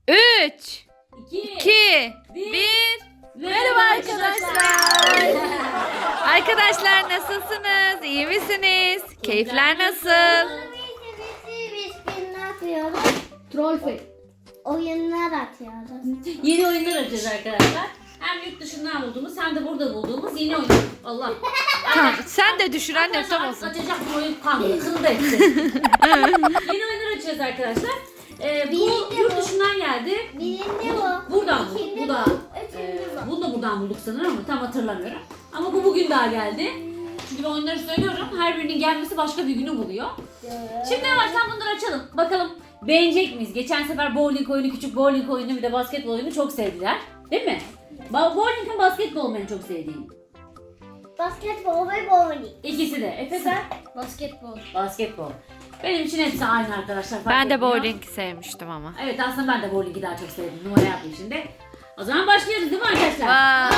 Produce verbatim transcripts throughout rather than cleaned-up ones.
üç, iki, iki, bir. bir. Merhaba arkadaşlar. Arkadaşlar nasılsınız? İyi misiniz? Keyifler nasıl? Biz gün ne yapıyoruz? Troll Fake. Oyunlar atıyoruz. Yeni oyunlar açacağız arkadaşlar. Hem yurt dışından bulduğumuz hem de burada bulduğumuz yeni oyunlar. Allah. Tamam, sen de düşür annem Arkadaşlar, tam olsun. Açacak bu oyun kanlı. Kını da etti. Yeni oyunlar açacağız arkadaşlar. Ee, bu Birinci yurt bu. dışından geldi. Birinci bu. Buradan bulduk. İkinci Bu da. bu. Üçüncü E, bu. bunu da buradan bulduk sanırım ama tam hatırlamıyorum. Ama bu bugün daha geldi. Çünkü ben oyunları söylüyorum. Her birinin gelmesi başka bir günü buluyor. Şimdi yavaştan bunları açalım. Bakalım beğenecek miyiz? Geçen sefer bowling oyunu, küçük bowling oyunu bir de basketbol oyunu çok sevdiler. Değil mi? Ba- Bowling'in basketbol ben çok sevdiğim. Basketbol ve bowling. İkisi de. Efe sen? Basketbol. Basketbol. Benim için hepsi aynı arkadaşlar. fark Ben de etmiyor. bowling sevmiştim ama. Evet aslında ben de bowling'i daha çok sevdim. Numara yapayım şimdi. O zaman başlıyoruz değil mi arkadaşlar?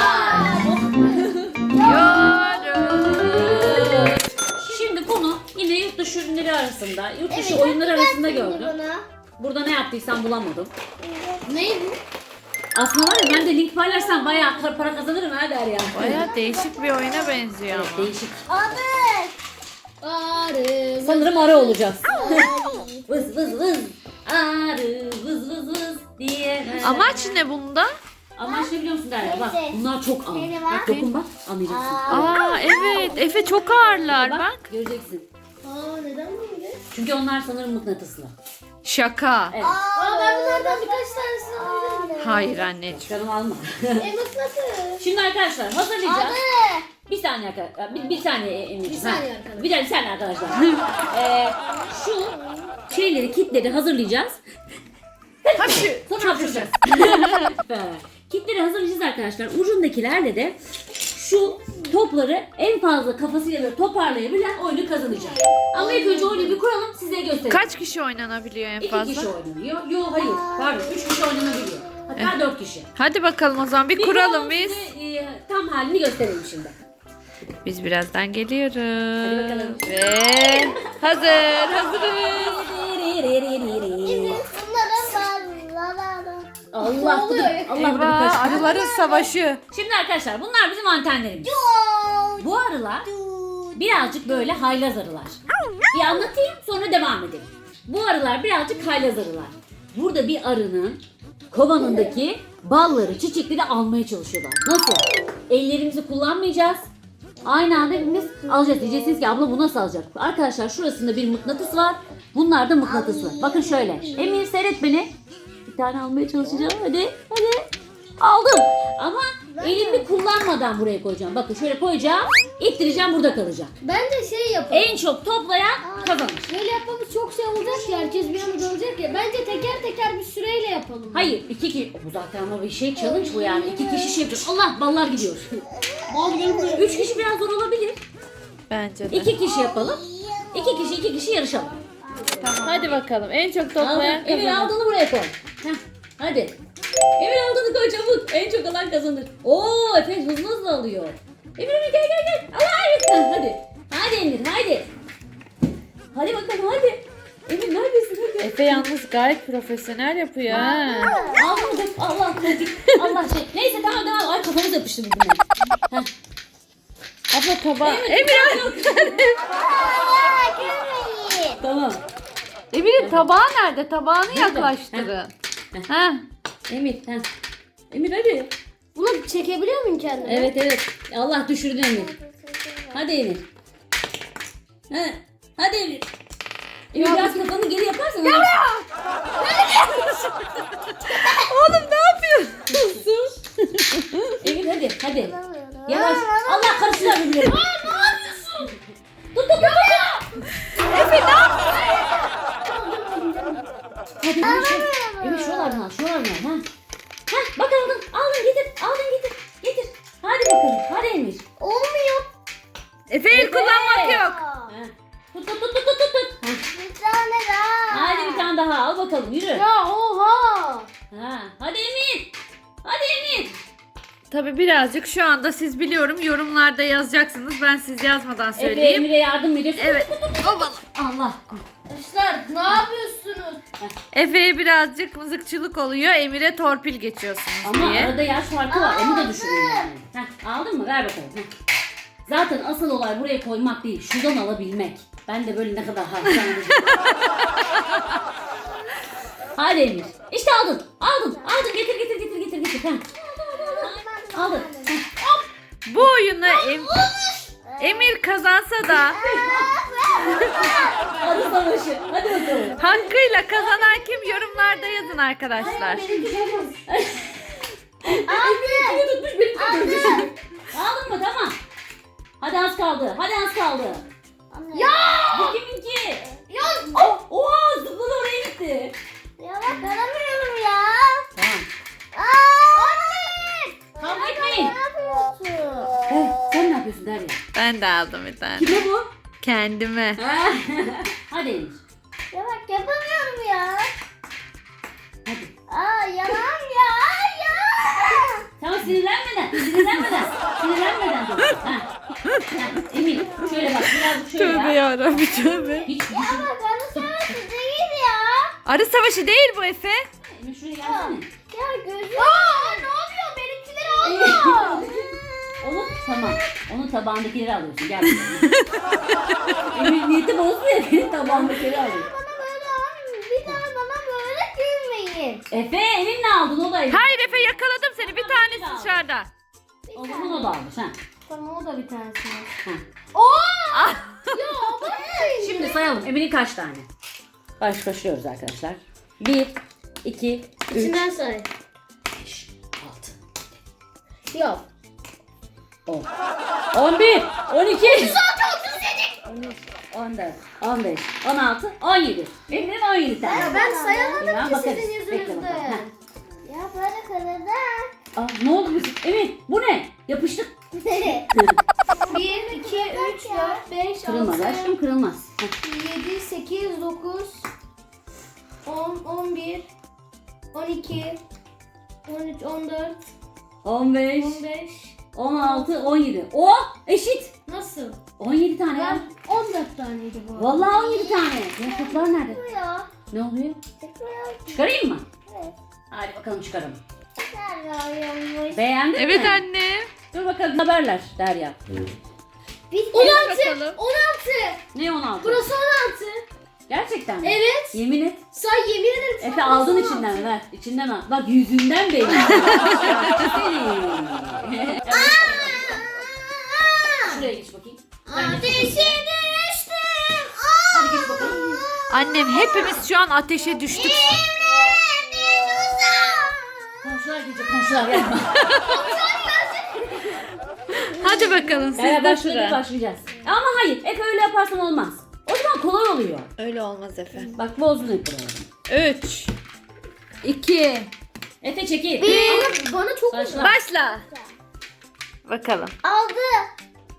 Yorum. Şimdi bunu yine yurt dışı ürünleri arasında, yurt dışı Evet, oyunlar arasında şimdi gördüm. bunu. Burada ne yaptıysam bulamadım. Ne bu? Aslında var ya ben de link paylaşsam bayağı kar- para kazanırım ha der ya. Baya değişik bir oyuna benziyor Evet, ama. değişik. Arı. Arı. Sanırım arı olacağız. Vız vız vız. Arı vız vız vız diye. Amaç ne bunda? Amaç ne biliyor musun Derya? Bak Neyse. bunlar çok ağır. Neyse, bak. Bak dokun bak anlayacaksın. Aa evet. Efe çok ağırlar Bak, bak. göreceksin. Aa neden böyle? Çünkü onlar sanırım mıknatıslı. Şaka. Evet. Aa ben bunlardan birkaç tanesini aldım. Hayır anneciğim. Canım alma. E mıknatıs. Şimdi arkadaşlar hazırlayacağız. Arı. Bir saniye arkadaşlar. Bir, bir saniye Emirciğim. Bir saniye Ha. arkadaşlar. Bir, bir saniye arkadaşlar. ee, şu şeyleri, kitleri hazırlayacağız. Hadi. Sonra hapşıracağız. Kitleri hazırlayacağız arkadaşlar. Ucundakilerle de şu topları en fazla kafasıyla böyle toparlayabilen oyunu kazanacak. Ama ilk önce oyunu bir kuralım size göstereyim. Kaç kişi oynanabiliyor en İki fazla? kişi oynanıyor. Yok hayır. Pardon. Üç kişi oynanabiliyor. Hatta dört kişi. Hadi bakalım o zaman bir Bir kuralım biz. size, e, tam halini gösterelim şimdi. Biz birazdan geliyoruz. Hadi bakalım. Ve hazır, hazırız. Bunların barları. Allah oluyor ya? Allah bunu Eyvah, kaçtı. arıların savaşı. Şimdi arkadaşlar bunlar bizim antenlerimiz. Bu arılar birazcık böyle haylaz arılar. Bir anlatayım sonra devam edelim. Bu arılar birazcık haylaz arılar. Burada bir arının kovanındaki balları, çiçekleri almaya çalışıyorlar. Nasıl? Ellerimizi kullanmayacağız. Aynı anda hepimiz alacağız. Diyeceksiniz ki abla bu nasıl alacak? Arkadaşlar şurasında bir mıknatıs var. Bunlar da mıknatıslı. Bakın şöyle. Emir seyret beni. Bir tane almaya çalışacağım. Hadi. Hadi. Aldım. Ama elimi kullanmadan buraya koyacağım. Bakın şöyle koyacağım. İttireceğim burada kalacak. Bence şey yapalım. En çok toplayan kazanır. Böyle yapmamız çok şey olacak ki herkes bir anda olacak ya. Bence teker teker bir süreyle yapalım. Hayır iki kişi. Bu zaten ama bir şey challenge bu yani. İki kişi şey yapıyor. Allah ballar gidiyor. Bal gelmiyor. Üç kişi biraz zor olabilir. Bence de. İki kişi yapalım. İki kişi iki kişi yarışalım. Hadi bakalım. En çok Aldın. toplayan Emir kazanır. aldığını buraya koy. Heh, hadi. Emir aldığını koy çabuk. En çok alan kazanır. Oo Efe hızlı hızlı alıyor. Emir Emir gel gel gel. Allah hayır. Hadi. Hadi Emir hadi. Hadi bakalım hadi. Emir neredesin hadi. Efe yalnız gayet profesyonel yapıyor ha. Aldın mı? Allah Allah şey. Neyse tamam tamam. Ay kafamız yapıştı birbirine. Heh. Abla tabağı. Emir, Emir, yok. Tamam. Emir'in tabağı nerede? Tabağını yaklaştırın. Ha. Emir. Heh. Emir hadi. Bunu çekebiliyor muyum kendime? Evet evet. Allah düşürdü Emir. Hadi Emir. He. Hadi Emir. Emir biraz kafanı geri yaparsan. Ya Oğlum ne yapıyorsun? Emir hadi hadi. Yavaş. Allah karıştılar birbirine. Aa ne yapıyorsun? Tut tut tut tut. Efe ne yapıyorsun? Hadi Emir şu. Emir şuralardan al şuralardan al. Ha. Hah bak aldın. Aldın getir. Aldın getir. Getir. Hadi bakalım. Hadi Emir. Olmuyor. Efe el kullanmak yok. Ha. Tut tut tut tut tut tut. Ha. Bir tane daha. Hadi bir tane daha al bakalım yürü. Ya oha. Ha. Hadi Emir. Hadi Emir. Tabii birazcık şu anda siz biliyorum yorumlarda yazacaksınız. Ben siz yazmadan Efe söyleyeyim. Emir'e yardım ediyorsun. Evet. Obala. Allah. Arkadaşlar ne yapıyorsunuz? Efe'ye birazcık mızıkçılık oluyor. Emir'e torpil geçiyorsunuz Ama diye. arada yaş farkı var. Emi de düşünün yani. Heh, aldın mı? Ver bakalım. Heh. Zaten asıl olay buraya koymak değil. Şuradan alabilmek. Ben de böyle ne kadar harcandım. Hadi Emir. İşte aldın. Aldın. Aldın. Getir getir getir getir getir. Heh. Aldın. Heh. Hop. Bu oyunu Em- Emir kazansa da Arı savaşı. Hadi bakalım. hakkıyla kazanan kim yorumlarda yazın arkadaşlar. Kimi tutmuş beni tutmuş. Aldın mı? Tamam. Hadi az kaldı. Hadi az kaldı. Ya! Bu kiminki? Ya! Oh, oha zıpladı oraya gitti. Ya bak alamıyorum ya. Tamam. Anne! Kavga etmeyin. Ne yapıyorsun? Eh, sen ne yapıyorsun Derya? Ben de aldım bir tane. Kime bu? Kendime. Hadi Emir. Ya bak yapamıyorum ya. Hadi. Aa yalan ya. Ya. Tamam sinirlenmeden. Sinirlenmeden. Sinirlenmeden dur. Ha. Ha. Emir şöyle bak birazcık şöyle Tövbe ya. yarabbim tövbe. Hiç Ya düşün. bak anne savaşı değil ya. Arı savaşı değil bu Efe. Emir şuraya gelsene. Ya gözüm. Aa ne yapıyor? Benimkileri alma. Onu tamam. Onun tabağındakileri alıyorsun. Gel bakalım. Emir niyeti bozdu ya. Benim tabağındakileri alıyor. Bana böyle almayın. Bir daha bana böyle gülmeyin. Efe elinle aldın o da Emir. Hayır Efe yakaladım seni. Bir tanesi dışarıda. O zaman o da almış ha. Tamam o da bir tanesi. Ha. Oo! Ah. Ya bakmayın. Şimdi sayalım. Emir'in kaç tane? Baş başlıyoruz arkadaşlar. Bir, iki, üç, İçinden say. beş, altı, Yok. on. On bir, on iki, otuz altı, otuz yedi. on üç, on dört, on beş, on altı, on yedi. Emir'in on yedi tane. Ya ben sayamadım Ya ki bakarız. sizin Bekle bakalım. yüzünüzden. Ha. Ya böyle kadar Aa, ne oldu bizim? Emir bu ne? Yapıştık. bir, iki, üç, dört, beş, Kırılmaz altı, aşkım kırılmaz. Heh. yedi, sekiz, dokuz, on, on bir, on iki, on üç, on dört, on beş, on beş. on altı, on yedi. O eşit. Nasıl? on yedi tane ya. Ben on dört taneydi bu arada. Vallahi on yedi tane. Yapraklar nerede? Bu ya. Ne oluyor? Tekrar. Çıkarayım mı? Evet. Hadi bakalım çıkaralım. Tekrar. Beğendin Evet mi? anne. Dur bakalım haberler Derya. on altı. bakalım. on altı. Ne on altı? Burası on altı. Gerçekten mi? Evet. Yemin et. Say yemin ederim. Efe sana aldın burası on içinden altı. mi? Ver. İçinden al. Bak yüzünden belli. Seni. Şuraya geç bakayım. Sen geç Ateşe bakalım. düştüm. Hadi geç bakalım. Annem hepimiz şu an ateşe düştük. Komşular gelecek komşular yapma. Hadi bakalım siz Beraber de şöyle sıra. başlayacağız. Ama hayır Efe öyle yaparsan olmaz. O zaman kolay oluyor. Öyle olmaz Efe. Bak bozdun Efe. üç, iki, Efe çekil. Bir. Bana çok Başla. başla. Bakalım. aldı.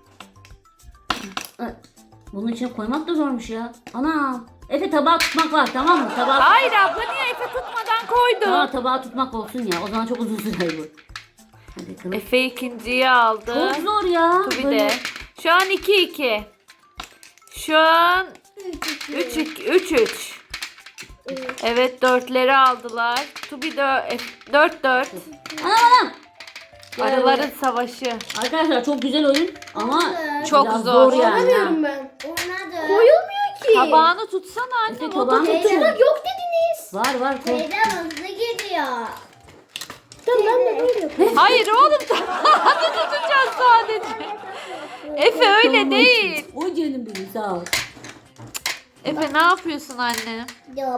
Bunun içine koymak da zormuş ya. Ana. Efe tabağı tutmak var tamam mı? Tabağı Hayır abla niye Efe tutmadan koydu? Tamam tabağı tutmak olsun ya. O zaman çok uzun sürer bu. Hadi bakalım. Efe ikinciyi aldı. Çok zor ya. Bir Böyle. de. Şu an iki iki. Şu an üç üç. üç. Evet dörtleri aldılar. Tubi dört dört. Anam anam. Arıların savaşı. Arkadaşlar çok güzel oyun ama Çok biraz zor. yani. Oynamıyorum ben. Oynadım. Koyulmuyor ki. Tabağını tutsana Efe annem. tabağını o da- tut. Teyzem yok dediniz. Var var. Koy. Teyzem hızlı gidiyor. Tamam ben de böyle yapıyorum. Hayır oğlum tabağını tutacağız sadece. Efe öyle değil. O canım benim sağ ol. Efe ne yapıyorsun anne? Yok.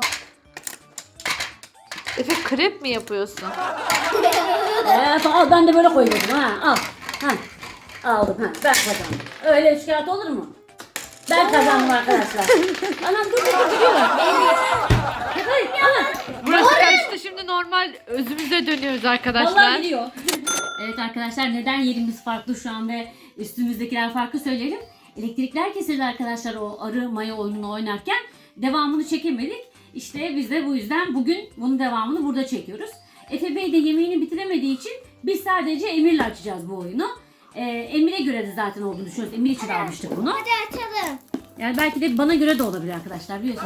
Efe krep mi yapıyorsun? Evet al ben de böyle koyuyorum ha al. Ha. Aldım ha ben kazandım. Öyle üç kağıt olur mu? Ben kazandım arkadaşlar. Anam dur dur gidiyorlar. Hayır anam. Burası karıştı şimdi normal özümüze dönüyoruz arkadaşlar. Vallahi gidiyor. Evet arkadaşlar neden yerimiz farklı şu an ve üstümüzdekiler farklı söyleyelim. Elektrikler kesildi arkadaşlar o arı maya oyununu oynarken. Devamını çekemedik. İşte biz de bu yüzden bugün bunun devamını burada çekiyoruz. Efe Bey de yemeğini bitiremediği için biz sadece Emir'le açacağız bu oyunu. Ee, Emir'e göre de zaten olduğunu düşünüyoruz. Emir için almıştık bunu. Hadi açalım. Yani belki de bana göre de olabilir arkadaşlar. Biliyorsunuz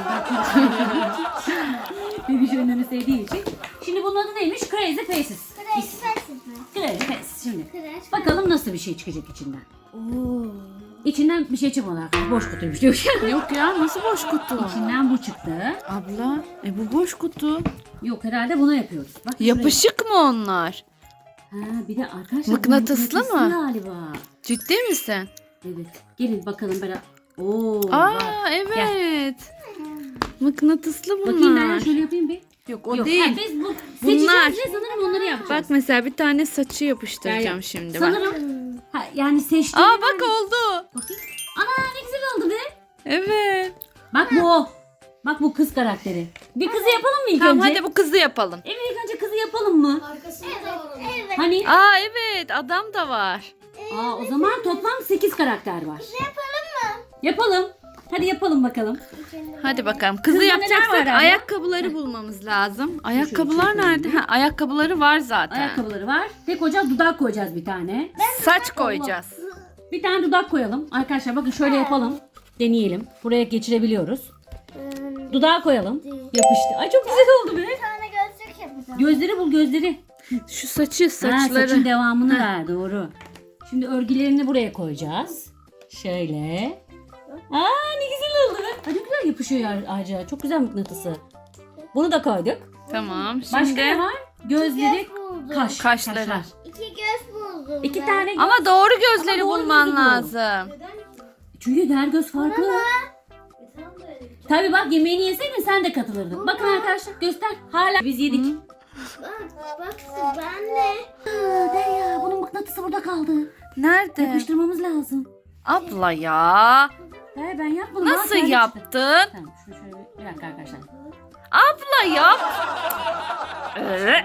ben bebiş oyunlarını sevdiğim için. Şimdi bunun adı neymiş? Crazy Faces. Crazy Faces mi? Crazy Faces şimdi. Crazy Bakalım nasıl bir şey çıkacak içinden. Oo. İçinden bir şey çıkmadı arkadaşlar. Boş kutuymuş diyor. Yok ya, nasıl boş kutu? İçinden bu çıktı. Abla, e bu boş kutu. Yok herhalde bunu yapıyoruz. Bak şuraya. Yapışık mı onlar? Ha, bir de arkadaşlar Mıknatıslı bu mı? galiba. Ciddi misin? Evet. Gelin bakalım böyle. Oo. Aa var. evet. Mıknatıslı bunlar. Bakayım ben şöyle yapayım bir. Yok o Yok, değil. ha, biz bu Bunlar. seçeceğiz ve sanırım onları yapacağız. Bak mesela bir tane saçı yapıştıracağım Yani şimdi bak. sanırım ha, yani seçtiğim. Aa bak oldu. Bakayım. Ana ne güzel oldu be. Evet. Bak bu o. Bak bu kız karakteri. Bir kızı yapalım mı ilk Tamam önce? hadi bu kızı yapalım. Emir ilk önce kızı yapalım mı? Arkasında da var onun. Evet. Hani? Aa evet, adam da var. Aa o zaman toplam sekiz karakter var. Yapalım mı? Yapalım. Hadi yapalım bakalım. Hadi bakalım. Kızı Kızda neler var yapacaksak abla? ayakkabıları bulmamız lazım. Ayakkabılar çekelim. nerede? Ha, ayakkabıları var zaten. Ayakkabıları var. Tek koyacağız, dudak koyacağız bir tane. Saç koyacağız. Bir tane dudak koyalım. Arkadaşlar bakın şöyle yapalım. Deneyelim. Buraya geçirebiliyoruz. Dudağı koyalım. Yapıştı. Ay çok güzel oldu be. Bir tane gözlük yapacağım. Gözleri bul gözleri. Şu saçı, Ha, saçları. saçın devamını ver doğru. Şimdi örgülerini buraya koyacağız. Şöyle. Aa ne güzel oldu be. Ay, ne güzel yapışıyor ya ağaca. Çok güzel mıknatısı. Bunu da koyduk. Tamam. Başka Şimdi ne var? Gözleri, Göz buldum. kaş. Kaşları. kaşlar. İki göz buldum. İki ben. tane. ama doğru gözleri Ama doğru bulman gözü bul. lazım. Çünkü her göz farklı. Tabii bak yemeğini yeseydin sen de katılırdın. Bakın arkadaşlar göster. Hala biz yedik. Hı. Bak, bak ben de. Aa, Derya bunun mıknatısı burada kaldı. Nerede? Yapıştırmamız lazım. Abla ya. Derya ben yapmadım. Nasıl Aa, kendi çıktı. yaptın? Tamam şunu şöyle bir dakika arkadaşlar. Abla yap. Ee,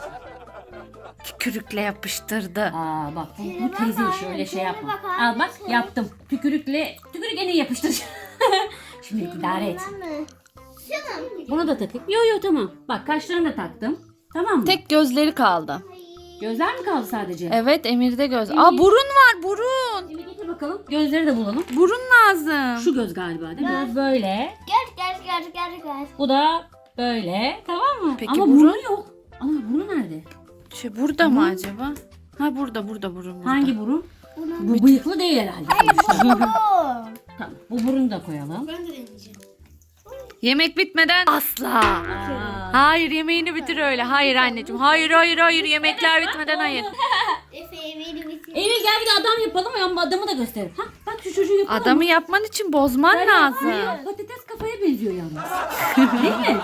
Tükürükle yapıştırdı. Aa bak bu, bu bak teyze işi anne, öyle şey şöyle yapma. bak anne, Al bak şöyle. yaptım. Tükürükle, tükürük en iyi yapıştıracağım. Şimdi idare et. Ben mi? Şunu. Bunu da takayım. Yo yo tamam. Bak kaşlarını da taktım. Tamam mı? Tek gözleri kaldı. Gözler mi kaldı sadece? Evet, Emir'de göz. Emir. Aa burun var, burun. Şimdi getir bakalım. Gözleri de bulalım. Burun lazım. Şu göz galiba değil mi? Göz böyle. Gel gel gel gel gel. Bu da böyle. Tamam mı? Peki Ama burun? burnu yok. Ama burnu nerede? Şey burada mı acaba? Ha burada, burada burun. Burada. Hangi burun? Bunun. Bu bıyıklı değil herhalde. Bu. Tamam. Bu burunu da koyalım. Ben de deneyeceğim. Yemek bitmeden asla. Aa. Hayır, yemeğini bitir öyle. Hayır anneciğim. Hayır, hayır, hayır. Yemekler bitmeden hayır. Efe beni bitir. Emir gel bir de adam yapalım ama adamı da gösterelim. Ha bak şu çocuğu yapalım. Adamı yapman için bozman Hayır, lazım. hayır, patates kafaya benziyor yalnız. Değil mi?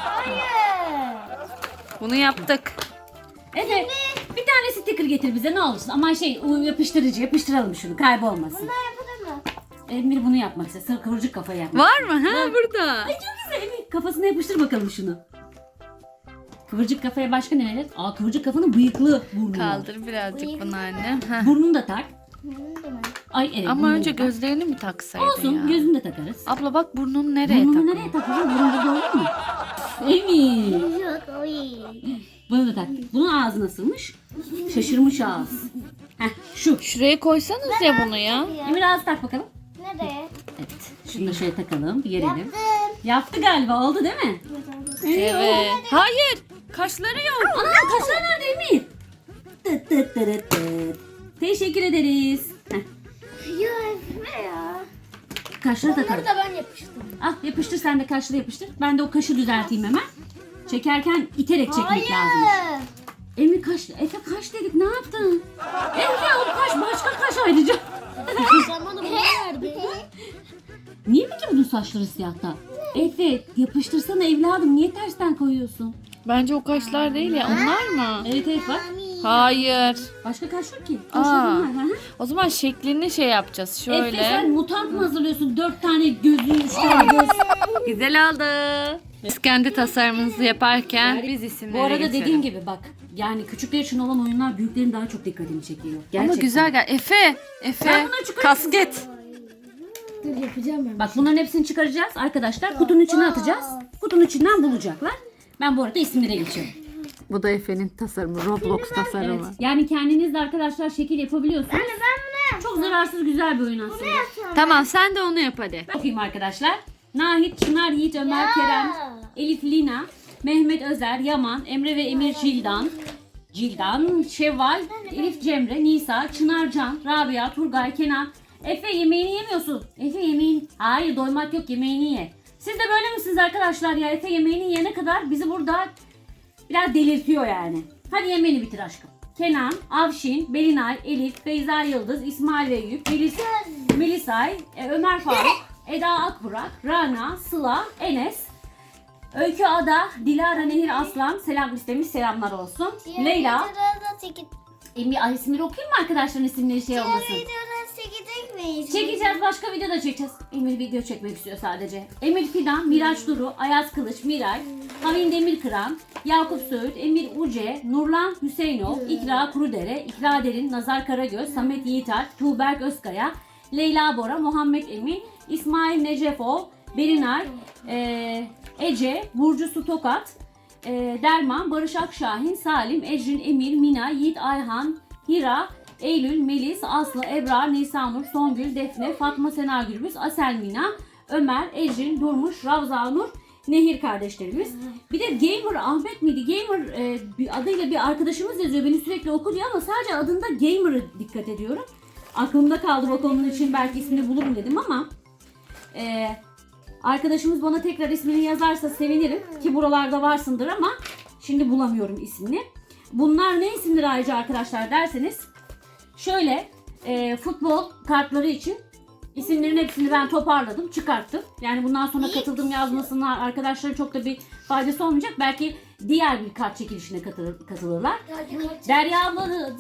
Bunu yaptık. Evet. Bir tane sticker getir bize ne olursun. Ama şey o yapıştırıcı yapıştıralım şunu kaybolmasın. Bunlar yapılır mı? Emir bunu yapmak istiyor. Sır kıvırcık kafa yapmak. Var mı? Ha burada. Ay çok güzel Emir. Kafasına yapıştır bakalım şunu. Kıvırcık kafaya başka ne verir? Aa kıvırcık kafanın bıyıklı burnu var. Kaldır birazcık bunu anne. Ha. Burnunu da tak. Bunu da ben. Ay evet. Ama burnunu önce da tak. gözlerini mi taksaydın Olsun ya? gözünü de takarız. Abla bak burnunu nereye Burnunu takıyorsun? nereye takacağız? Burun burada olur mu? Emir. Yok o iyi. Bunu da tak. Bunun ağzı nasılmış? Şaşırmış ağız. Heh şu. Şuraya koysanız ya bunu ya. Emir ağzı tak bakalım. Nereye? Evet. Şunu da şöyle takalım. Gerelim. Yaptım. Yaptı galiba. Oldu değil mi? Evet. Hayır. Kaşları yok. Ana kaşlar nerede Emir? Tıt tıt tırıt tıt. Teşekkür ederiz. Heh. Ya Efe ya. Kaşları takalım. Bunları da ben yapıştım. Al yapıştır sen de kaşları yapıştır. Ben de o kaşı düzelteyim hemen. Çekerken iterek çekmek lazım. Hayır. Emir kaş, Efe kaş dedik ne yaptın? Efe o kaş başka kaş ayrıca. Sen bana bunu verdin. Niye peki bunun saçları siyahta? Efe yapıştırsana evladım niye tersten koyuyorsun? Bence o kaşlar değil ya. Onlar mı? Evet evet bak. Hayır. Başka kaş yok ki. Aa. Kaşların var. Hı hı. O zaman şeklini şey yapacağız. Şöyle. Efe sen mutant mı hazırlıyorsun? Dört tane gözün, üç tane göz. Güzel oldu. Biz kendi tasarımımızı yaparken Yani biz isimleri Bu arada geçelim. dediğim gibi bak. Yani küçükler için olan oyunlar büyüklerin daha çok dikkatini çekiyor. Gerçekten. Ama güzel gel. Efe. Ben Efe. bunları çıkarayım. Kasket. Dur yapacağım ben. Bak bunların hepsini çıkaracağız arkadaşlar. Kutunun içine atacağız. Kutunun içinden bulacaklar. Ben bu arada isimlere geçiyorum. Bu da Efe'nin tasarımı. Roblox tasarımı. Evet. Yani kendiniz de arkadaşlar şekil yapabiliyorsunuz. Anne ben bunu Çok zararsız güzel bir oyun aslında. Tamam sen de onu yap hadi. Bakayım arkadaşlar. Nahit, Çınar, Yiğit, Ömer, Ya. Kerem, Elif, Lina, Mehmet, Özer, Yaman, Emre ve Emir, Cildan, Cildan, Şevval, Elif, Cemre, Nisa, Çınar, Can, Rabia, Turgay, Kenan. Efe yemeğini yemiyorsun. Efe yemeğin... Hayır doymak yok, yemeğini ye. Siz de böyle misiniz arkadaşlar ya? Efe yemeğini yiyene kadar bizi burada biraz delirtiyor yani. Hadi yemeğini bitir aşkım. Kenan, Avşin, Belinay, Elif, Beyza Yıldız, İsmail ve Eyüp, Melis, Melisay, e, Ömer Faruk, Eda Akburak, Rana, Sıla, Enes, Öykü Ada, Dilara Nehir Aslan, selam istemiş, selamlar olsun. Leyla, Emir, ay isimleri okuyayım mı arkadaşların isimleri şey olmasın? Çekeceğiz, başka video da çekeceğiz. Emir video çekmek istiyor sadece. Emir Fidan, Miraç Duru, Ayaz Kılıç, Miray, Havin Demirkıran, Yakup Söğüt, Emir Uce, Nurlan Hüseyinov, İkra Kurudere, İkra Derin, Nazar Karagöz, Samet Yiğitalp, Tuğberk Özkaya, Leyla Bora, Muhammed Emin, İsmail Necefov, Berinay, e, Ece, Burcu Su Tokat, e, Derman, Barış Akşahin, Salim, Ecrin, Emir, Mina, Yiğit Ayhan, Hira, Eylül, Melis, Aslı, Ebrar, Nisanur, Songül, Defne, Fatma Sena Gürbüz, Asel Mina, Ömer, Ecrin, Durmuş, Ravza Nur, Nehir kardeşlerimiz. Bir de Gamer Ahmet miydi? Gamer e, bir adıyla bir arkadaşımız yazıyor. Beni sürekli oku diyor ama sadece adında Gamer'ı dikkat ediyorum. Aklımda kaldı bak onun için belki ismini bulurum dedim ama e, arkadaşımız bana tekrar ismini yazarsa sevinirim ki buralarda varsındır ama şimdi bulamıyorum ismini. Bunlar ne isimdir ayrıca arkadaşlar derseniz şöyle e, futbol kartları için isimlerin hepsini ben toparladım, çıkarttım. Yani bundan sonra katıldım yazmasınlar. Arkadaşlara çok da bir faydası olmayacak. Belki diğer bir kart çekilişine katılır, katılırlar. Derya ablanın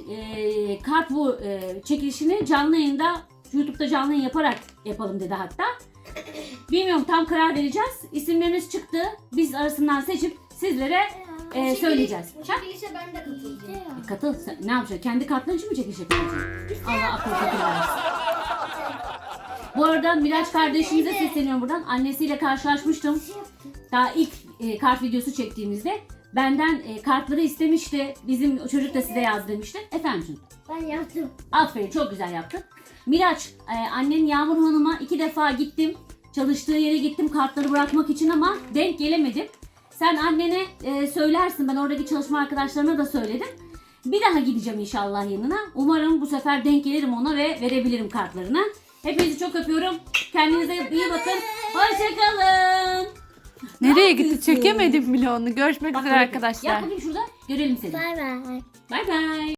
e, kart bu e, çekilişini canlı yayında YouTube'da canlı yayın yaparak yapalım dedi hatta. Bilmiyorum tam karar vereceğiz. İsimleriniz çıktı. Biz arasından seçip sizlere e, söyleyeceğiz. Bu çekilişe ben de katılacağım. E, katıl. Sen ne yapacaksın? Kendi kartların için mi çekiliş yapacaksın? Allah akıl fikir versin. Bu arada Miraç kardeşimize sesleniyorum buradan. Annesiyle karşılaşmıştım. Daha ilk e, kart videosu çektiğimizde benden e, kartları istemişti. Bizim çocuk da size yaz demişti. Efendim? Ben yaptım. Aferin çok güzel yaptın. Miraç, e, annen Yağmur Hanım'a iki defa gittim. Çalıştığı yere gittim kartları bırakmak için ama denk gelemedim. Sen annene e, söylersin. Ben oradaki çalışma arkadaşlarına da söyledim. Bir daha gideceğim inşallah yanına. Umarım bu sefer denk gelirim ona ve verebilirim kartlarını. Hepinizi çok öpüyorum. Kendinize iyi bakın. Hoşçakalın. Nereye gitti? Çekemedim bile onu. Görüşmek Bak, üzere arkadaşlar. Yap bakayım şurada. Görelim seni. Bay bay. Bay bay.